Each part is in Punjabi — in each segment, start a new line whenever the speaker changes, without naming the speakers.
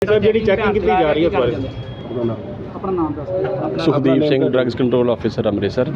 ਸਰ ਜਿਹੜੀ ਚੈਕਿੰਗ ਕੀਤੀ ਜਾ ਰਹੀ ਹੈ ਇਸ ਬਾਰੇ
ਆਪਣਾ ਨਾਮ ਦੱਸ ਦਿਓ।
Sukhdeep Singh drugs control officer Amritsar.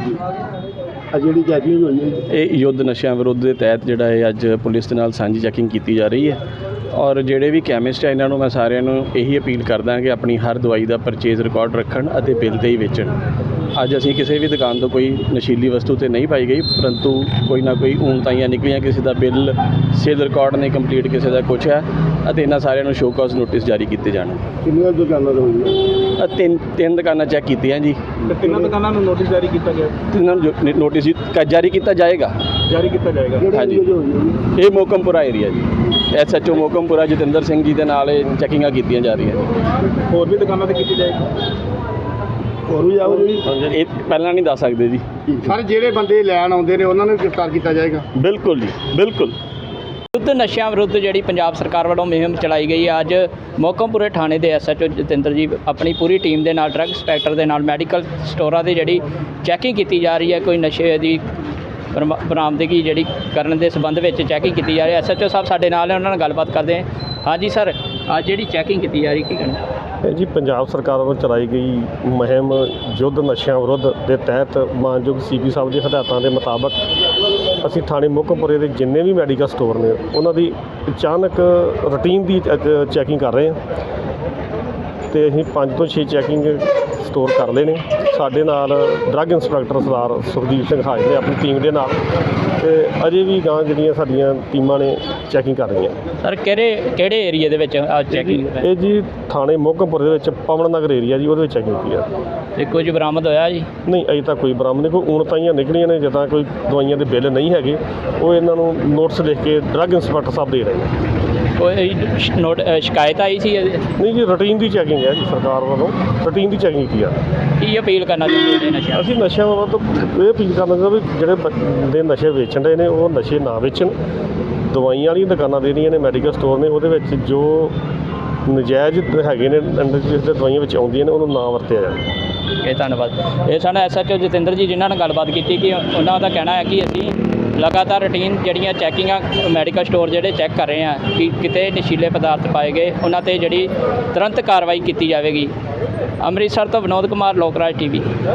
ਆ ਜਿਹੜੀ ਚੈਕਿੰਗ ਹੋਈ ਹੈ
ਇਹ ਯੁੱਧ ਨਸ਼ਿਆਂ ਵਿਰੁੱਧ ਦੇ ਤਹਿਤ ਜਿਹੜਾ ਇਹ ਅੱਜ ਪੁਲਿਸ ਦੇ ਨਾਲ ਸਾਂਝੀ ਚੈਕਿੰਗ ਕੀਤੀ ਜਾ ਰਹੀ ਹੈ ਔਰ ਜਿਹੜੇ ਵੀ ਕੈਮਿਸਟ ਹੈ ਇਹਨਾਂ ਨੂੰ ਮੈਂ ਸਾਰਿਆਂ ਨੂੰ ਇਹੀ ਅਪੀਲ ਕਰਦਾ ਕਿ ਆਪਣੀ ਹਰ ਦਵਾਈ ਦਾ ਪਰਚੇਜ਼ ਰਿਕਾਰਡ ਰੱਖਣ ਅਤੇ ਬਿੱਲ 'ਤੇ ਹੀ ਵੇਚਣ। ਅੱਜ ਅਸੀਂ ਕਿਸੇ ਵੀ ਦੁਕਾਨ ਤੋਂ ਕੋਈ ਨਸ਼ੀਲੀ ਵਸਤੂ ਤੇ ਨਹੀਂ ਪਾਈ ਗਈ, ਪਰੰਤੂ ਕੋਈ ਨਾ ਕੋਈ ਊਣਤਾਈਆਂ ਨਿਕਲੀਆਂ, ਕਿਸੇ ਦਾ ਬਿੱਲ ਸੇਲ ਰਿਕਾਰਡ ਨਹੀਂ ਕੰਪਲੀਟ, ਕਿਸੇ ਦਾ ਕੁਛ ਹੈ ਅਤੇ ਇਹਨਾਂ ਸਾਰਿਆਂ ਨੂੰ ਸ਼ੋ ਕਾਜ਼ ਨੋਟਿਸ ਜਾਰੀ ਕੀਤੇ ਜਾਣ।
ਕਿੰਨੀਆਂ ਦੁਕਾਨਾਂ ਤੋਂ ਹੋਈ ਹੈ?
ਤਿੰਨ ਦੁਕਾਨਾਂ ਚੈੱਕ ਕੀਤੀਆਂ ਜੀ।
ਤੇ ਤਿੰਨਾਂ ਦੁਕਾਨਾਂ ਨੂੰ ਨੋਟਿਸ ਜਾਰੀ ਕੀਤਾ ਗਿਆ?
ਤਿੰਨਾਂ ਨੂੰ ਨੋਟਿਸ ਜਾਰੀ ਕੀਤਾ ਜਾਏਗਾ। ਹਾਂਜੀ, ਇਹ ਮੋਕਮਪੁਰਾ ਏਰੀਆ ਜੀ। SHO ਮੋਕਮਪੁਰਾ ਜਤਿੰਦਰ ਸਿੰਘ ਜੀ ਦੇ ਨਾਲ ਇਹ ਚੈਕਿੰਗਾਂ ਕੀਤੀਆਂ ਜਾ ਰਹੀਆਂ ਜੀ।
ਹੋਰ ਵੀ ਦੁਕਾਨਾਂ ਤੇ ਕੀਤੀ ਜਾਏਗੀ? ਹੋਰ ਵੀ ਆਓ ਜੀ।
ਇਹ ਪਹਿਲਾਂ ਨਹੀਂ ਦੱਸ ਸਕਦੇ ਜੀ।
ਸਰ ਜਿਹੜੇ ਬੰਦੇ ਲੈਣ ਆਉਂਦੇ ਨੇ ਉਹਨਾਂ ਨੂੰ ਗ੍ਰਿਫਤਾਰ ਕੀਤਾ ਜਾਏਗਾ?
ਬਿਲਕੁਲ ਜੀ, ਬਿਲਕੁਲ।
ਯੁੱਧ ਨਸ਼ਿਆਂ ਵਿਰੁੱਧ ਜਿਹੜੀ ਪੰਜਾਬ ਸਰਕਾਰ ਵੱਲੋਂ ਮੁਹਿੰਮ ਚਲਾਈ ਗਈ ਹੈ, ਅੱਜ ਮੋਕਮਪੁਰੇ ਥਾਣੇ ਦੇ SHO ਜਤਿੰਦਰ ਜੀ ਆਪਣੀ ਪੂਰੀ ਟੀਮ ਦੇ ਨਾਲ ਡਰੱਗ ਇੰਸਪੈਕਟਰ ਦੇ ਨਾਲ ਮੈਡੀਕਲ ਸਟੋਰਾਂ ਦੀ ਜਿਹੜੀ ਚੈਕਿੰਗ ਕੀਤੀ ਜਾ ਰਹੀ ਹੈ। ਕੋਈ ਨਸ਼ੇ ਦੀ ਬਰਾਮਦਗੀ ਜਿਹੜੀ ਕਰਨ ਦੇ ਸੰਬੰਧ ਵਿੱਚ ਚੈਕਿੰਗ ਕੀਤੀ ਜਾ ਰਹੀ ਹੈ। SHO ਸਾਹਿਬ ਸਾਡੇ ਨਾਲ ਹੈ, ਉਹਨਾਂ ਨਾਲ ਗੱਲਬਾਤ ਕਰਦੇ ਹਾਂ। ਹਾਂਜੀ ਸਰ, ਅੱਜ ਜਿਹੜੀ ਚੈਕਿੰਗ ਕੀਤੀ ਜਾ ਰਹੀ ਕੀ ਕਹਿਣਾ?
ਇਹ ਜੀ ਪੰਜਾਬ ਸਰਕਾਰ ਵੱਲੋਂ ਚਲਾਈ ਗਈ ਮੁਹਿੰਮ ਯੁੱਧ ਨਸ਼ਿਆਂ ਵਿਰੁੱਧ ਦੇ ਤਹਿਤ ਮਾਨਯੋਗ CP ਸਾਹਿਬ ਦੀ ਹਦਾਇਤਾਂ ਦੇ ਮੁਤਾਬਕ ਅਸੀਂ ਥਾਣੇ ਮੋਕਮਪੁਰੇ ਦੇ ਜਿੰਨੇ ਵੀ ਮੈਡੀਕਲ ਸਟੋਰ ਨੇ ਉਹਨਾਂ ਦੀ ਅਚਾਨਕ ਰੂਟੀਨ ਦੀ ਚੈਕਿੰਗ ਕਰ ਰਹੇ ਹਾਂ ਤੇ ਅਸੀਂ 5 ਤੋਂ 6 ਚੈਕਿੰਗ ਸਟੋਰ ਕਰ ਲਏ ਨੇ। ਸਾਡੇ ਨਾਲ ਡਰੱਗ ਇੰਸਪੈਕਟਰ ਸਰਦਾਰ ਸੁਖਦੀਪ ਸਿੰਘ ਹਾਜ਼ਰ ਨੇ ਆਪਣੀ ਟੀਮ ਦੇ ਨਾਲ, ਤੇ ਅਜੇ ਵੀ ਗਾਂ ਜਿਹੜੀਆਂ ਸਾਡੀਆਂ ਟੀਮਾਂ ਨੇ ਚੈਕਿੰਗ ਕਰ ਰਹੀਆਂ।
ਸਰ ਕਿਹੜੇ ਏਰੀਏ ਦੇ ਵਿੱਚ ਚੈਕਿੰਗ?
ਇਹ ਜੀ ਥਾਣੇ ਮੋਕਮਪੁਰੇ ਦੇ ਵਿੱਚ ਪਵਨ ਨਗਰ ਏਰੀਆ ਜੀ, ਉਹਦੇ ਵਿੱਚ ਚੈਕਿੰਗ ਕੀਤੀ ਆ।
ਤੇ ਕੁਝ ਬਰਾਮਦ ਹੋਇਆ ਜੀ?
ਨਹੀਂ, ਅਜੇ ਤੱਕ ਕੋਈ ਬਰਾਮਦ ਨਹੀਂ। ਕੋਈ ਊਣਤਾਈਆਂ ਨਿਕਲੀਆਂ ਨੇ, ਜਿੱਦਾਂ ਕੋਈ ਦਵਾਈਆਂ ਦੇ ਬਿੱਲ ਨਹੀਂ ਹੈਗੇ, ਉਹ ਇਹਨਾਂ ਨੂੰ ਨੋਟਿਸ ਲਿਖ ਕੇ ਡਰੱਗ ਇੰਸਪੈਕਟਰ ਸਾਹਿਬ ਦੇ ਰਹੇ ਨੇ।
ਕੋਈ ਸ਼ਿਕਾਇਤ ਆਈ ਸੀ ਇਹਦੀ?
ਨਹੀਂ ਜੀ, ਰੂਟੀਨ ਦੀ ਚੈਕਿੰਗ ਹੈ ਜੀ, ਸਰਕਾਰ ਵੱਲੋਂ ਰੂਟੀਨ ਦੀ ਚੈਕਿੰਗ ਕੀਤੀ ਆ।
ਕੀ ਅਪੀਲ ਕਰਨਾ ਚਾਹੁੰਦੇ ਨੇ ਨਸ਼ਿਆਂ?
ਅਸੀਂ ਨਸ਼ਿਆਂ ਵੱਲੋਂ ਇਹ ਅਪੀਲ ਕਰਨਾ ਚਾਹੁੰਦੇ ਵੀ ਜਿਹੜੇ ਬੰਦੇ ਨਸ਼ੇ ਵੇਚਣ ਦੇ ਨੇ ਉਹ ਨਸ਼ੇ ਨਾ ਵੇਚਣ। ਦਵਾਈਆਂ ਵਾਲੀਆਂ ਦੁਕਾਨਾਂ ਦੇਣੀਆਂ ਨੇ, ਮੈਡੀਕਲ ਸਟੋਰ ਨੇ, ਉਹਦੇ ਵਿੱਚ ਜੋ ਨਜਾਇਜ਼ ਹੈਗੇ ਨੇ ਅੰਡਰ ਜਿਸ ਦੇ ਦਵਾਈਆਂ ਵਿੱਚ ਆਉਂਦੀਆਂ ਨੇ ਉਹਨੂੰ ਨਾ ਵਰਤਿਆ ਜਾਵੇ।
ਇਹ ਧੰਨਵਾਦ। ਇਹ ਸਾਡਾ SHO ਜਤਿੰਦਰ ਜੀ ਜਿਨ੍ਹਾਂ ਨਾਲ ਗੱਲਬਾਤ ਕੀਤੀ ਕਿ ਉਹਨਾਂ ਦਾ ਕਹਿਣਾ ਹੈ ਕਿ ਅਸੀਂ ਲਗਾਤਾਰ ਰੂਟੀਨ ਜਿਹੜੀਆਂ ਚੈਕਿੰਗਾਂ ਮੈਡੀਕਲ ਸਟੋਰ ਜਿਹੜੇ ਚੈੱਕ ਕਰ ਰਹੇ ਹਾਂ ਕਿ ਕਿਤੇ ਨਸ਼ੀਲੇ ਪਦਾਰਥ ਪਾਏ ਗਏ, ਉਹਨਾਂ 'ਤੇ ਜਿਹੜੀ ਤੁਰੰਤ ਕਾਰਵਾਈ ਕੀਤੀ ਜਾਵੇਗੀ। ਅੰਮ੍ਰਿਤਸਰ ਤੋਂ ਵਿਨੋਦ ਕੁਮਾਰ, ਲੋਕ ਰਾਜ TV।